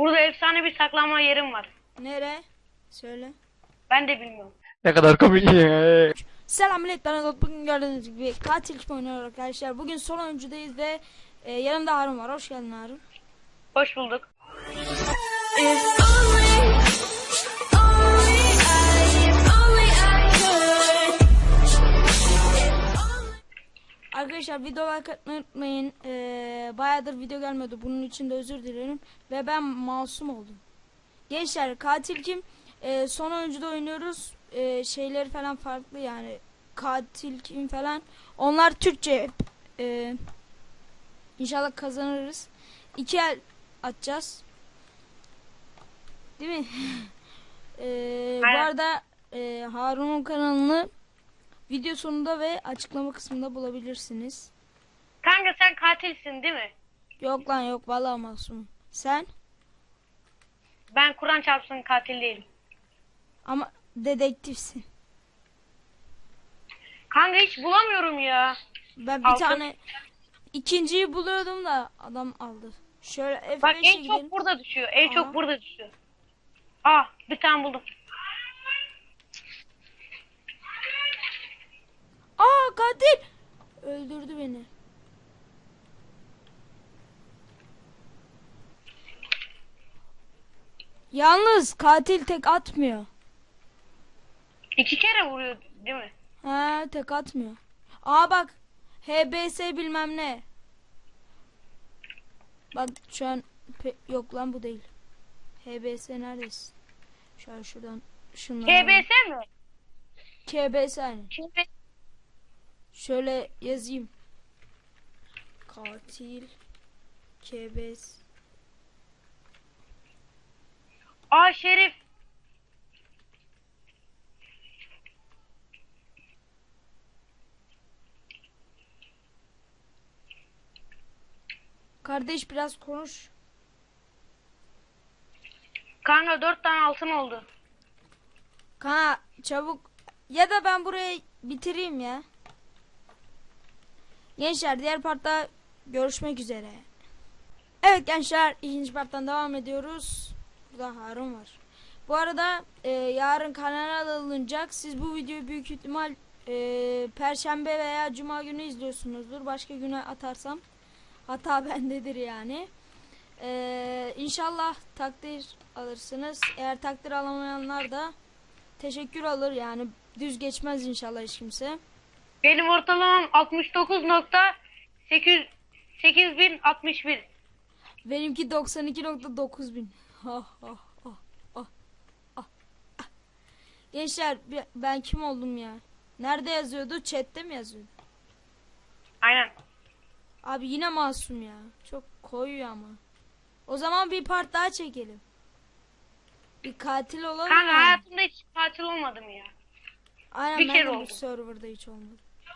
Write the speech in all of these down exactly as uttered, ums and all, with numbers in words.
Burada efsane bir saklanma yerim var. Nere? Söyle. Ben de bilmiyorum. Ne kadar komik. Selam millet, ben Azat. Bugün gördüğünüz gibi katil kim oynuyor arkadaşlar. Bugün son oyuncudayız ve e, yanımda Harun var. Hoş geldin Harun. Hoş bulduk. Arkadaşlar video like atmayı unutmayın. E, bayağıdır video gelmedi. Bunun için de özür dilerim. Ve ben masum oldum. Gençler, katil kim? E, son oyuncuda oynuyoruz. E, şeyleri falan farklı yani. Katil kim falan. Onlar Türkçe. E, İnşallah kazanırız. İki el atacağız. Değil mi? ee, bu arada e, Harun'un kanalını video sonunda ve açıklama kısmında bulabilirsiniz. Kanka sen katilsin değil mi? Yok lan yok, vallahi masum. Sen? Ben Kur'an çarpsın katil değilim. Ama dedektifsin. Kanka hiç bulamıyorum ya. Ben bir Altın. tane ikinciyi buluyordum da adam aldı. Şöyle F Bak beşe en gidelim. çok burada düşüyor. En Aha. çok burada düşüyor. Ah bir tane buldum. Aa, katil! Öldürdü beni. Yalnız katil tek atmıyor. İki kere vuruyor değil mi? Ha, tek atmıyor. Aa bak, H B S bilmem ne. Bak şu an yok lan, bu değil. H B S neredesin? Şu an şuradan şunları. K B S mi? K B S aynı. K B S. Şöyle yazayım. Katil K B S. Aa Şerif. Kardeş biraz konuş. Kanka dört tane altın oldu. Kana çabuk, ya da ben burayı bitireyim ya. Gençler, diğer partta görüşmek üzere. Evet gençler, ikinci parttan devam ediyoruz. Burada Harun var. Bu arada e, yarın kanala alınacak. Siz bu videoyu büyük ihtimal e, Perşembe veya Cuma günü izliyorsunuzdur. Başka güne atarsam hata bendedir yani. E, İnşallah takdir alırsınız. Eğer takdir alamayanlar da teşekkür alır yani. Düz geçmez inşallah hiç kimse. Benim ortalamam altmış dokuz nokta sekiz bin altmış bir. Benimki doksan iki nokta dokuz bin. Ah, ah, ah, ah, ah, ah. Gençler, ben kim oldum ya? Nerede yazıyordu? Chat'te mi yazıyordu? Aynen. Abi yine masum ya. Çok koyuyor ama. O zaman bir part daha çekelim. Bir katil olalım. Kanka yani. hayatımda hiç katil olmadım ya. Aynen, bir ben kere de bu oldu. serverda hiç olmadı.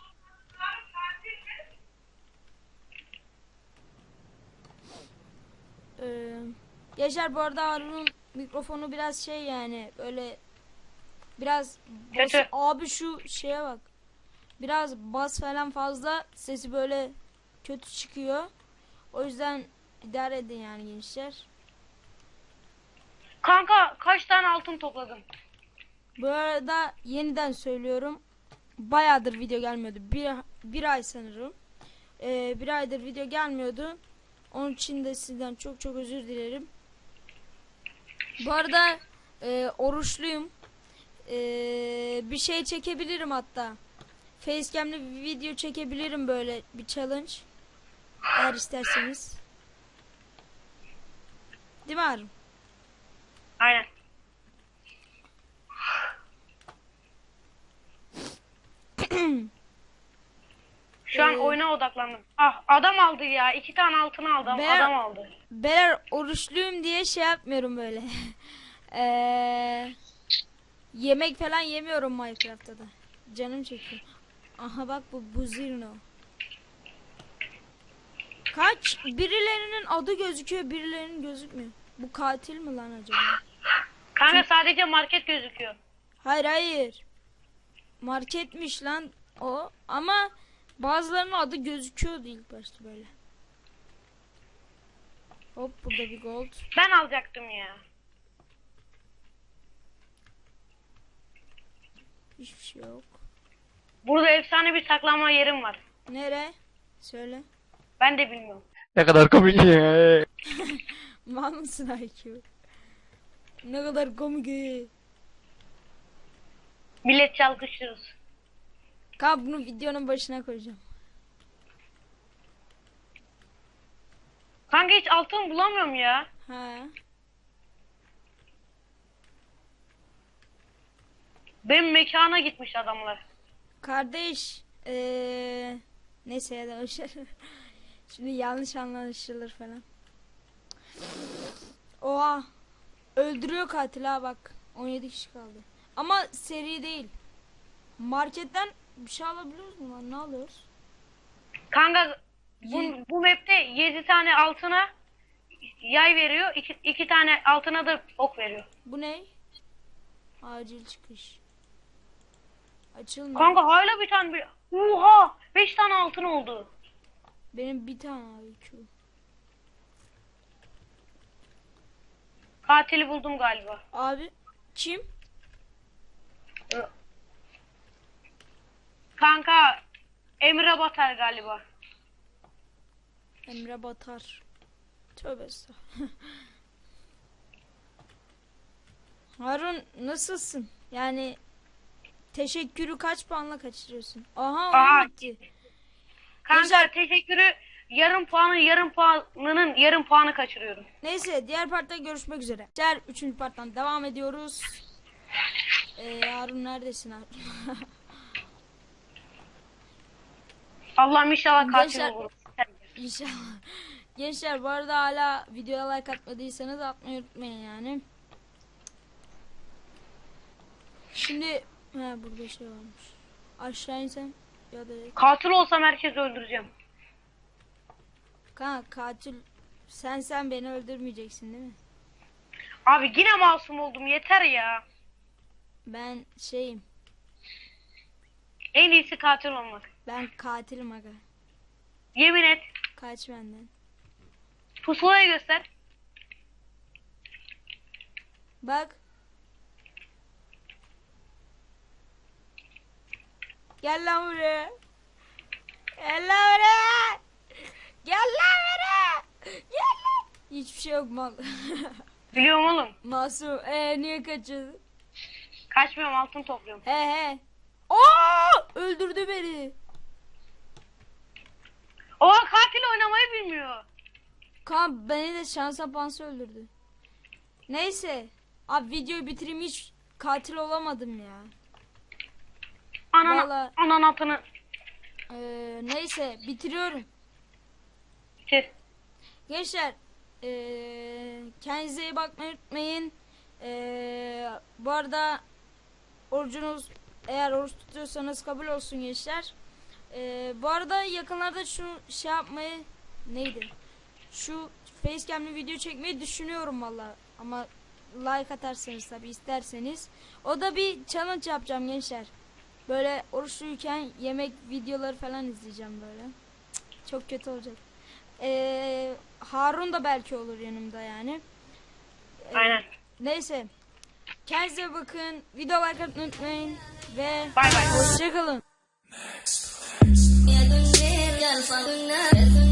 Ee, Yaşar, bu arada Harun'un mikrofonu biraz şey yani böyle biraz bas, Kötü. abi şu şeye bak. Biraz bas falan fazla, sesi böyle kötü çıkıyor. O yüzden idare edin yani gençler. Kanka kaç tane altın topladım? Bu arada yeniden söylüyorum. Bayağıdır video gelmiyordu. Bir, bir ay sanırım. Ee, bir aydır video gelmiyordu. Onun için de sizden çok çok özür dilerim. Bu arada e, oruçluyum. E, bir şey çekebilirim hatta. Facecam'le bir video çekebilirim, böyle bir challenge. Eğer isterseniz. Değil mi Harun? Aynen. Şu an Ee, oyuna odaklandım. Ah adam aldı ya. İki tane altın aldım. Ben- Adam aldı. Beyler, oruçluyum diye şey yapmıyorum böyle. Eee yemek falan yemiyorum Minecraft'ta da. Canım çekiyor. Aha bak, bu Buzirno. Kaç birilerinin adı gözüküyor, birilerinin gözükmüyor. Bu katil mi lan acaba? Kanka sadece market gözüküyor. Hayır hayır. Marketmiş lan o, ama bazılarının adı gözüküyordu ilk başta böyle. Hop burada bir gold. Ben alacaktım ya. Hiçbir şey yok. Burada efsane bir saklanma yerim var. Nere? Söyle. Ben de bilmiyorum. Ne kadar komik ya. Mal mısın I Q? Ne kadar komik. Millet çalkışırız. Kanka bunu videonun başına koyacağım. Kanka hiç altın bulamıyorum ya. Ha. Benim mekana gitmiş adamlar. Kardeş. Ee, neyse ya da boşver. Şimdi yanlış anlaşılır falan. Oha. Öldürüyor katil ha bak. on yedi kişi kaldı. Ama seri değil. Marketten bir şey alabiliyoruz mu lan? Ne alıyoruz? Kanka bu, Ye- bu map'te yedi tane altına yay veriyor. iki iki tane altına da ok veriyor. Bu ne? Acil çıkış. Açılmıyor. Kanka hala bir tane bir... Oha! beş tane altın oldu. Benim bir tane I Q. Katili buldum galiba. Abi kim? Kanka Emre Batar galiba. Emre Batar. Tövbe estağfurullah. Harun nasılsın? Yani teşekkürü kaç puanla kaçırıyorsun? Aha Aha. oyun bitti. Kanka Güzel. teşekkürü yarım puanı yarım puanının yarım puanı kaçırıyorum. Neyse diğer partta görüşmek üzere. Diğer üçüncü parttan devam ediyoruz. Ee, Harun neredesin Harun? Allah'ım inşallah katil Gençler- olur. İnşallah. Gençler bu arada hala videoya like atmadıysanız atmayı unutmayın yani. Şimdi he burada şey varmış. Aşağı insem ya da Katil olsam herkesi öldüreceğim. kanka katil sen sen beni öldürmeyeceksin değil mi? Abi yine masum oldum yeter ya. Ben şeyim. En iyisi katil olmak. Ben katilim aga. Yemin et. Kaç benden. Pusulayı göster. Bak. Gel lan buraya. Gel lan buraya. Gel lan buraya. Gel lan. Hiçbir şey yok mal. Biliyorum oğlum. Masum. Ee niye kaçırdın? Kaçmıyorum altın topluyorum. He he. Aa! Öldürdü beni. O katil oynamayı bilmiyor. Kan beni de şansa pansı öldürdü. Neyse. Abi videoyu bitireyim hiç katil olamadım ya. Anan, Vallahi- anan atını Ee, neyse bitiriyorum. bitir. Gençler ee, kendinize iyi bakmayı unutmayın. Ee, bu arada orucunuz eğer oruç tutuyorsanız kabul olsun gençler. Ee, bu arada yakınlarda şu şey yapmayı neydi? Şu facecam'li video çekmeyi düşünüyorum valla. Ama like atarsanız tabi isterseniz. O da bir challenge yapacağım gençler. Böyle oruçluyken yemek videoları falan izleyeceğim böyle. Cık, çok kötü olacak. Ee, Harun da belki olur yanımda yani. Ee, Aynen. Neyse. Kendinize bakın. Video like atmayı unutmayın. Ve Bay bay. hoşçakalın. يا دنيا الفضل